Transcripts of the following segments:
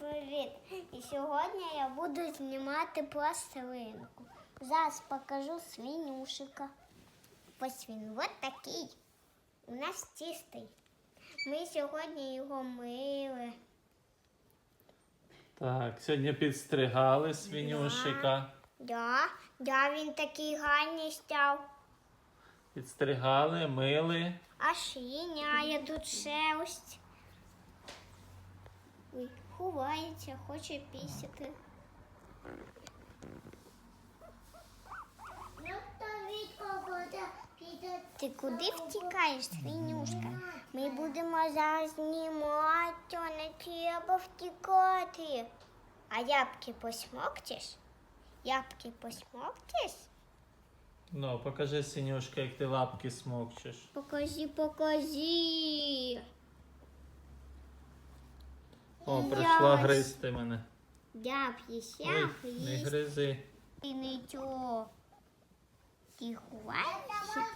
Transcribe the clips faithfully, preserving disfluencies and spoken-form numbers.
привіт! І сьогодні я буду знімати пластилинку. Зараз покажу свинюшика. Ось він, ось такий. У нас чистий. Ми сьогодні його мили. Так, сьогодні підстригали свинюшика. Да, да, він такий гарний став. Підстригали, мили. А шиняє тут шерсть. Ой, ховається, хоче пісяти. Ти куди втікаєш, свинюшка? Ми будемо зараз знімати, не треба втікати. А ябки посмоктиш? Ябки посмоктиш? Ну, покажи, свинюшка, як ти лапки смокчеш. Покажи, покажи. О, прийшла Я гризти мене. Я п'єся, Ой, не гризи. і нічого. Ти ховаєшся?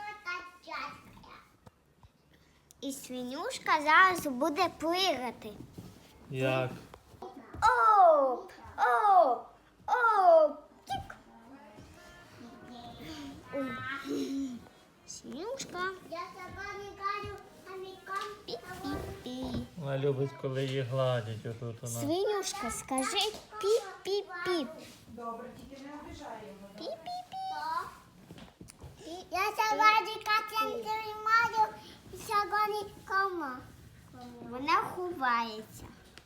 І свинюшка зараз буде плигати. Як? Оп, оп, оп, тік. Ой. Свинюшка. Я пі-пі-пі. Вона любить, коли її гладять отут вона. Свинюшка, скажи пі-пі-пі. Добре, тільки не обіжай його. Пі-пі-пі. Я сьогодні Катя тримаю і сьогодні кома. Вона ховається.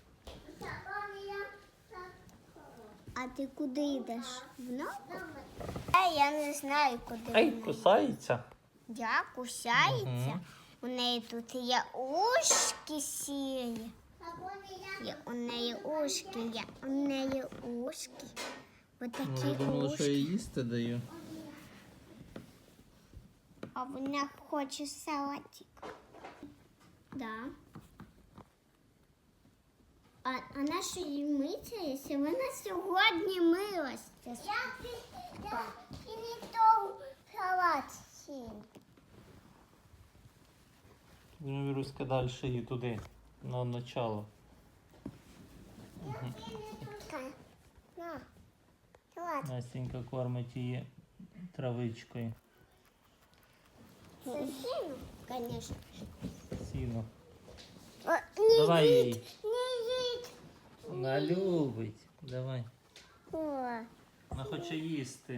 А ти куди йдеш? В ногу? Е, я не знаю, куди Ай, вона. кусається. Я кусається. Мгм. У неї тут є ушки сірі. Є у неї ушки, є у неї ушки. Отакі Може, думала, що ушки. я їсти даю. А вона хоче салатик. Да. А, а на що їй миться, якщо вона сьогодні милася? Я, я і не то салат сім. Ну, Віруська, далі її туди, на начало. На, салат. Настенька кормить її травичкою. Сосину, конечно. Сіно. О, не Давай їдь, їй. не їдь. Вона любить. Давай. О, Вона хоче їсти.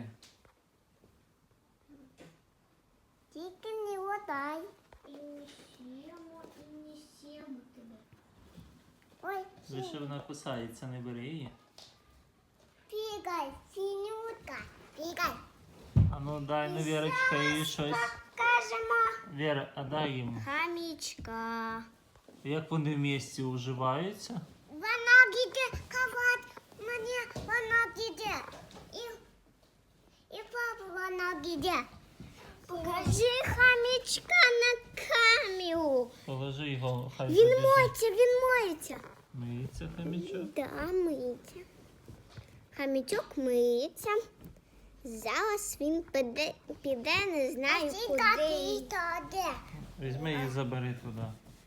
тільки не водай. І не сімо, і не сімо тебе. Ой, Лише вона кусається, не бери її. пігай, синютка, пігай. А ну дай, ну, Вірочка, їй щось. Покажемо. Віра, а дай йому. Хамічка. Як вони в місті уживаються? Вона піде кавати, мені вона піде. І, і папа вона піде. Покажи хамічка на камеру. Положи його, хай Він побіжить. моється, він моється. Миється хомячок. Да, миється. Хамічок миється. Зараз він піде, піде не знаю куди. Візьми і забери туди.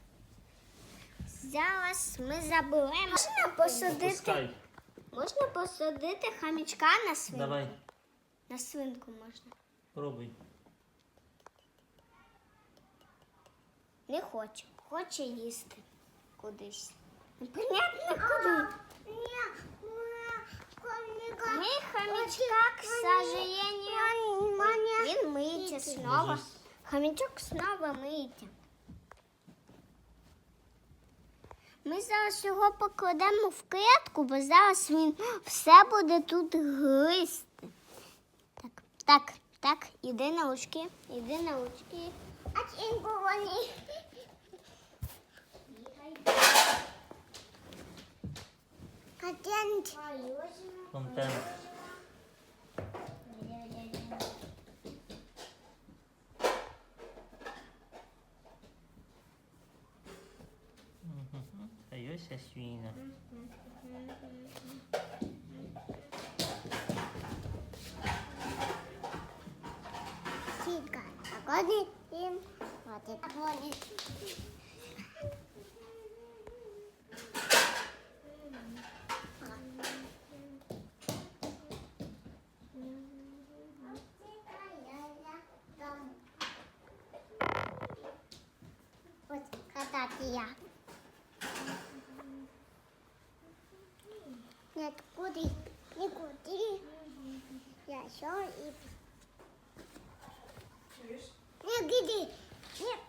Зараз ми заберемо. Можна посадити, Пускай. можна посадити хамічка на свинку? Давай, На свинку можна. пробуй. Не хоче. Хоче їсти кудись. Непонятно куди. Ми хомячка, к сожалению, він миється снова. Може, Хомячок снова миється. Ми зараз його покладемо в клітку, бо зараз він все буде тут гризти. Так, так, так, іди на очки, іди на очки. А чинку вони. Контент. Контент. Мгм. А ось свіна. Сіка. Так, один, один. Один. Я. Нет, куди? Нікуди. Я що і... Чуєш? Не, гиди. Нет.